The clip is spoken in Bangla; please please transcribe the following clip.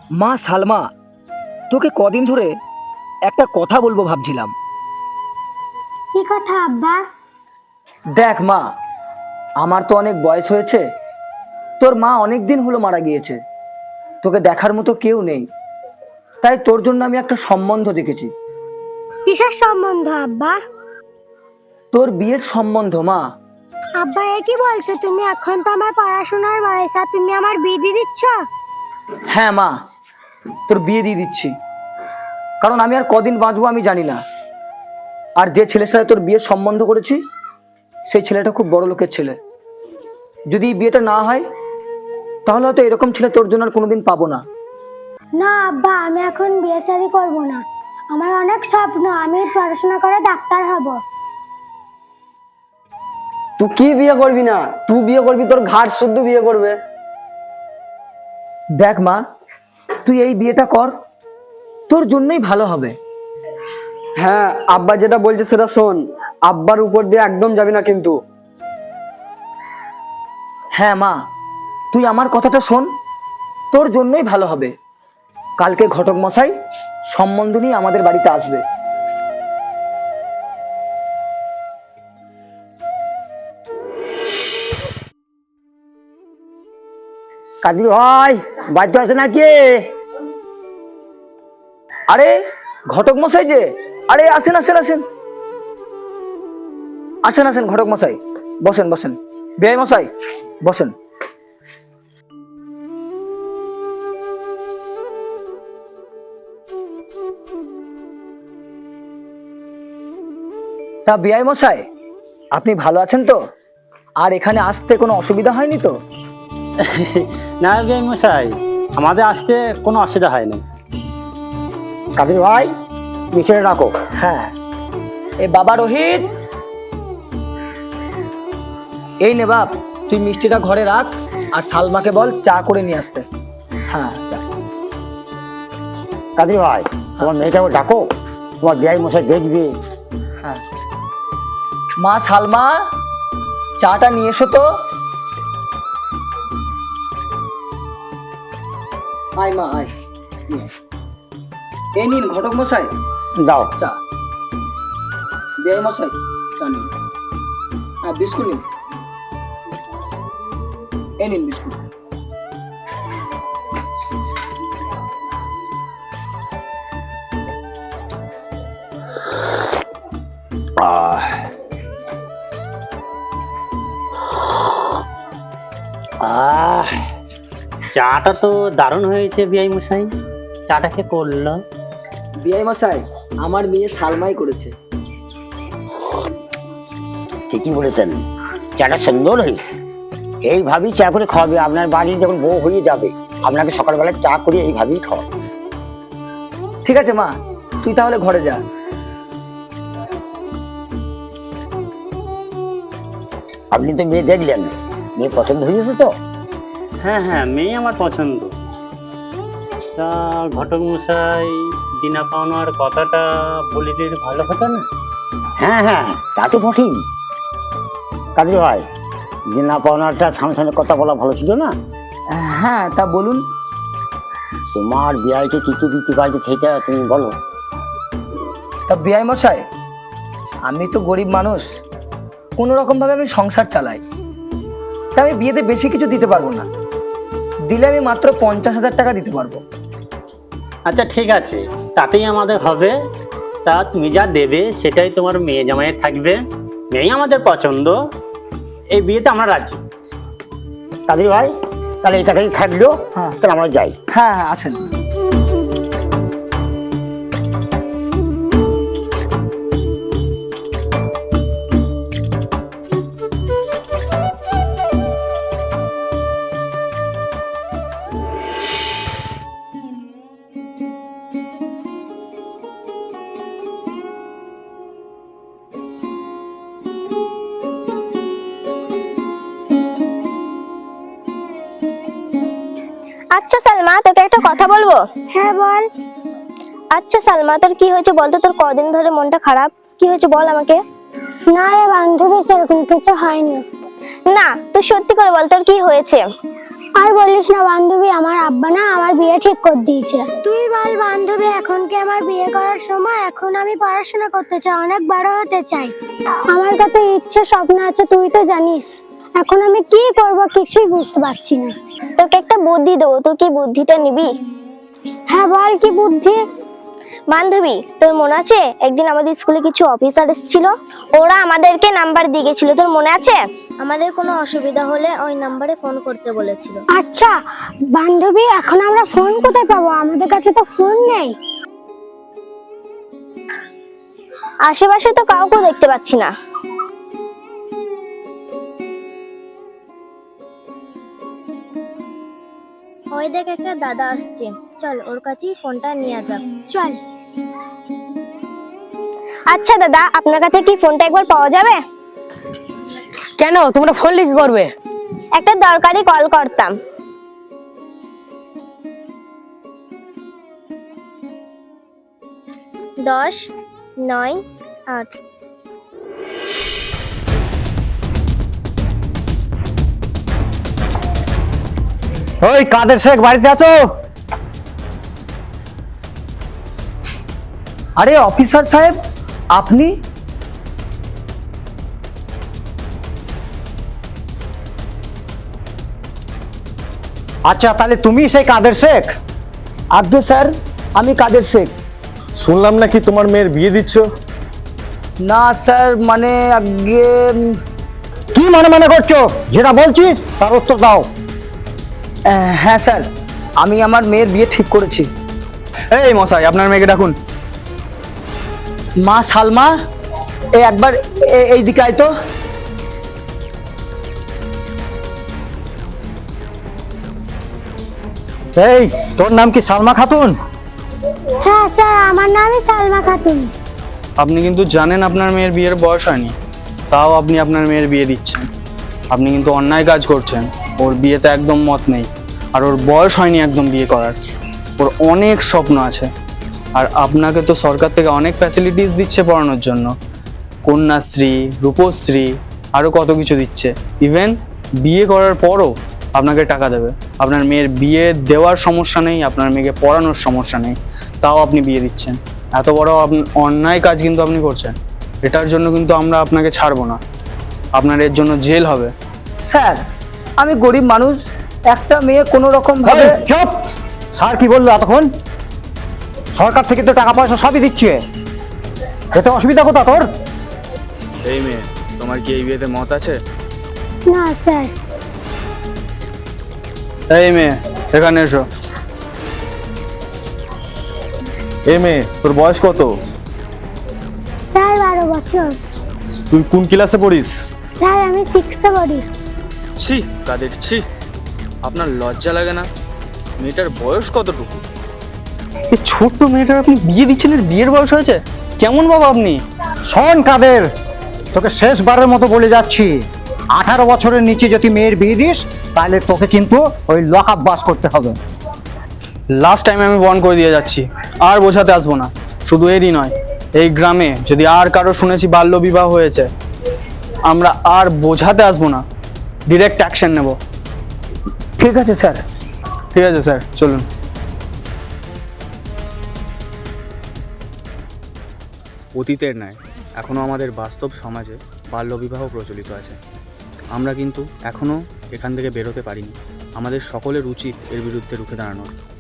মা সালমা, তোকে কদিন ধরে একটা কথা বলবো ভাবছিলাম। কি কথা আব্বা? দেখ মা, আমার তো অনেক বয়স হয়েছে, তোর মা অনেক দিন হলো মারা গিয়েছে, তোকে দেখার মতো কেউ নেই, তাই তোর জন্য আমি একটা সম্বন্ধ দেখেছি। কিসের সম্বন্ধ আব্বা? তোর বিয়ের সম্বন্ধ মা। আব্বা এ কি বলছো তুমি? এখন তো আমার পড়াশোনার বয়স, আর তুমি আমার বিয়ে দিয়ে দিচ্ছ? হ্যাঁ মা, তোর বিয়ে দিয়ে দিচ্ছি, কারণ আমি আর কদিন বাঁচবো আমি জানি না। আর যে ছেলের সাথে তোর বিয়ের সম্বন্ধ করেছি সেই ছেলেটা খুব বড় লোকের ছেলে। যদি এই বিয়েটা না হয় তাহলে হয়তো এরকম ছেলে তোর জন্য আর কোনোদিন পাবো না। না আব্বা, আমি এখন বিয়ে শাদী করবো না। আমার অনেক স্বপ্ন, আমি পড়াশোনা করে ডাক্তার হব। তুই কি বিয়ে করবি না? তুই বিয়ে করবি তোর ঘাট শুদ্ধ বিয়ে করবে। দেখ মা, তুই এই বিয়েটা কর, তোর জন্যই ভালো হবে। হ্যাঁ, আব্বা যেটা বলছে সেটা শোন, আব্বার উপর দিয়ে একদম যাবি না কিন্তু। হ্যাঁ মা, তুই আমার কথাটা শোন, তোর জন্যই ভালো হবে। কালকে ঘটক মশাই সম্বন্ধ নিয়ে আমাদের বাড়িতে আসবে। কাদির ভাই বাড়িতে আছে নাকি? আরে ঘটক মশাই যে, আরে আসেন আসেন আসেন আসেন আসেন ঘটক মশাই, বসেন বসেন। বেআই মশাই বসেন। তা বেআই মশাই, আপনি ভালো আছেন তো? আর এখানে আসতে কোনো অসুবিধা হয়নি তো? না বিআই মশাই, আমাদের আসতে কোনো অসুবিধা হয় না। কাদির ভাই মিশনে রাখো। হ্যাঁ, এ বাবা রোহিত, এই নে বাপ, তুই মিষ্টিটা ঘরে রাখ, আর সালমাকে বল চা করে নিয়ে আসতে। হ্যাঁ যা। কাদির ভাই তোমার মেয়েটাকে ডাকো, তোমার বিয়াই মশাই দেখবে। হ্যাঁ, মা সালমা, চাটা নিয়ে এসো তো। আয় মা আয়, নিয়ে আয়। এই নিন ঘটক মশাই দাও। চা। বেআই মশাই চা নিন। হ্যাঁ বিস্কুট নিন, এই নিন বিস্কুট। আহ, চাটা তো দারুণ হয়েছে বিআই মশাই। চাটা কে করলো? বেআই মশাই, আমার মেয়ে সালমাই করেছে। ঠিকই বলেছেন, চাটা সুন্দর হয়েছে। এইভাবেই চা করে খাওয়াবে, আপনার বাড়ি যখন বউ হয়ে যাবে আপনাকে সকালবেলা চা করে এইভাবেই খাওয়াবে। ঠিক আছে মা, তুই তাহলে ঘরে যা। আপনি তো মেয়ে দেখলেন, মেয়ে পছন্দ হয়েছে তো? হ্যাঁ হ্যাঁ, মেয়ে আমার পছন্দ। তা ঘটক মশাই দিনা পাওনার কথাটা বলে দিলে ভালো হতো না? হ্যাঁ হ্যাঁ, তা তো বটেই। কাদির ভাই, যে না পাওনাটা সামনে সামনে কথা বলা ভালো ছিল না? হ্যাঁ তা বলুন। তোমার বিয়াইকে কি কি দিতে পারবে সেটা তুমি বলো। তা বেআই মশাই, আমি তো গরিব মানুষ, কোনো রকম ভাবে আমি সংসার চালাই, তা আমি বিয়েতে বেশি কিছু দিতে পারবো না। দিলে আমি মাত্র 50,000 টাকা দিতে পারবো। আচ্ছা ঠিক আছে, তাতেই আমাদের হবে। তা তুমি যা দেবে সেটাই তোমার মেয়ে জামাইয়ের থাকবে। মেয়ে আমাদের পছন্দ, এই বিয়েতে আমরা রাজি। কাদির ভাই তাহলে এই টাকাই থাকলো। হ্যাঁ। তাহলে আমরা যাই। হ্যাঁ হ্যাঁ আসেন। আচ্ছা সালমা, তোকে একটা কথা বলবো। হ্যাঁ বল। আচ্ছা সালমা, তোর কি হয়েছে বলতো? তোর কদিন ধরে মনটা খারাপ, কি হয়েছে বল আমাকে। না রে বান্ধবী, সেরকম কিছু হয়নি। না, তুই সত্যি করে বল তোর কি হয়েছে। আর বলিস না বান্ধবী, আমার আব্বা না আমার বিয়ে ঠিক করে দিয়েছে। তুই বল বান্ধবী, এখন কি আমার বিয়ে করার সময়? এখন আমি পড়াশোনা করতে চাই, অনেক বড় হতে চাই। আমার কত ইচ্ছে স্বপ্ন আছে তুই তো জানিস। এখন আমি কি করব কিছুই বুঝতে পারছি না। তোকে একটা বুদ্ধি দেবো, তুই কি বুদ্ধিটা নিবি? হ্যাঁ বল, কি বুদ্ধি? বান্ধবী, তোর মনে আছে একদিন আমাদের স্কুলে কিছু অফিসার এসেছিল? ওরা আমাদেরকে নাম্বার দিয়ে গেছিল, তোর মনে আছে? আমাদের কোনো অসুবিধা হলে ওই নাম্বারে ফোন করতে বলেছিল। আচ্ছা বান্ধবী, এখন আমরা ফোন কোথায় পাবো? আমাদের কাছে তো ফোন নেই। আশেপাশে তো কাউকে দেখতে পাচ্ছি না। ওই দেখ, একটা দাদা আসছে, চল ওর কাছেই ফোনটা নিয়ে যাক। চল। আচ্ছা দাদা, আপনার কাছে কি ফোনটা একবার পাওয়া যাবে? কেন, তোমরা ফোন লিখে করবে? একটা দরকারি কল করতাম। দশ, 9, 8। ওই কাদের শেখ, বাড়িতে আছো? আরে অফিসার সাহেব, আপনি? আচ্ছা, তাহলে তুমি সেই কাদের শেখ? আব্দু স্যার, আমি কাদের শেখ। শুনলাম নাকি তোমার মেয়ের বিয়ে দিচ্ছ। না স্যার, মানে আগে কি মনে করছো? যেটা বলছি তার উত্তর দাও। হ্যাঁ স্যার, আমি আমার মেয়ের বিয়ে ঠিক করেছি। এই মশাই, আপনার মেয়েকে ডাকুন। মা সালমা, একবার এই দিকে আয় তো। এই, তোর নাম কি সালমা খাতুন? হ্যাঁ স্যার, আমার নামই সালমা খাতুন। আপনি কিন্তু জানেন আপনার মেয়ের বিয়ের বয়স হয়নি, তাও আপনি আপনার মেয়ের বিয়ে দিচ্ছেন। আপনি কিন্তু অন্যায় কাজ করছেন। ওর বিয়েতে একদম মত নেই, আর ওর বয়স হয়নি একদম বিয়ে করার। ওর অনেক স্বপ্ন আছে, আর আপনাকে তো সরকার থেকে অনেক ফ্যাসিলিটিস দিচ্ছে পড়ানোর জন্য, কন্যাশ্রী, রূপশ্রী, আরও কত কিছু দিচ্ছে। ইভেন বিয়ে করার পরও আপনাকে টাকা দেবে। আপনার মেয়ের বিয়ে দেওয়ার সমস্যা নেই, আপনার মেয়েকে পড়ানোর সমস্যা নেই, তাও আপনি বিয়ে দিচ্ছেন। এত বড় অন্যায় কাজ কিন্তু আপনি করছেন। এটার জন্য কিন্তু আমরা আপনাকে ছাড়বো না, আপনার এর জন্য জেল হবে। স্যার, আমি গরিব মানুষ, একটা মেয়ে কোনো রকম ভাবে। এই, চুপ! স্যার কি বললো এতক্ষণ? সরকার থেকে তো টাকা পয়সা সবই দিচ্ছে, এতে অসুবিধা কোথা তোর? এই মেয়ে, তোমার কি এই বিয়েতে মত আছে? না স্যার। এই মেয়ে, এখানে এসো। এই মেয়ে, তোর বয়স কত? স্যার 12 বছর। তুই কোন ক্লাসে পড়িস? স্যার আমি 6-এ পড়ি। ছি কাদের ছি, আপনার লজ্জা লাগে না? মেয়েটার বয়স কতটুকু? এই ছোট্ট মেয়েটার আপনি বিয়ে দিচ্ছেন, এর বিয়ের বয়স হয়েছে? কেমন বাবা আপনি? শোন কাদের, তোকে শেষবারের মতো বলে যাচ্ছি, 18 বছরের নিচে যদি মেয়ের বিয়ে দিস তাহলে তোকে কিন্তু ওই লক আপ বাস করতে হবে। লাস্ট টাইম আমি বন্ধ করে দিয়ে যাচ্ছি, আর বোঝাতে আসবো না। শুধু এরই নয়, এই গ্রামে যদি আর কারো শুনেছি বাল্য বিবাহ হয়েছে, আমরা আর বোঝাতে আসবো না, ডিরেক্ট অ্যাকশন নেব। ঠিক আছে স্যার। ঠিক আছে স্যার, চলুন। অতীতের ন্যায় এখনও আমাদের বাস্তব সমাজে বাল্যবিবাহ প্রচলিত আছে। আমরা কিন্তু এখনও এখান থেকে বেরোতে পারিনি। আমাদের সকলের উচিত এর বিরুদ্ধে রুখে দাঁড়ানোর।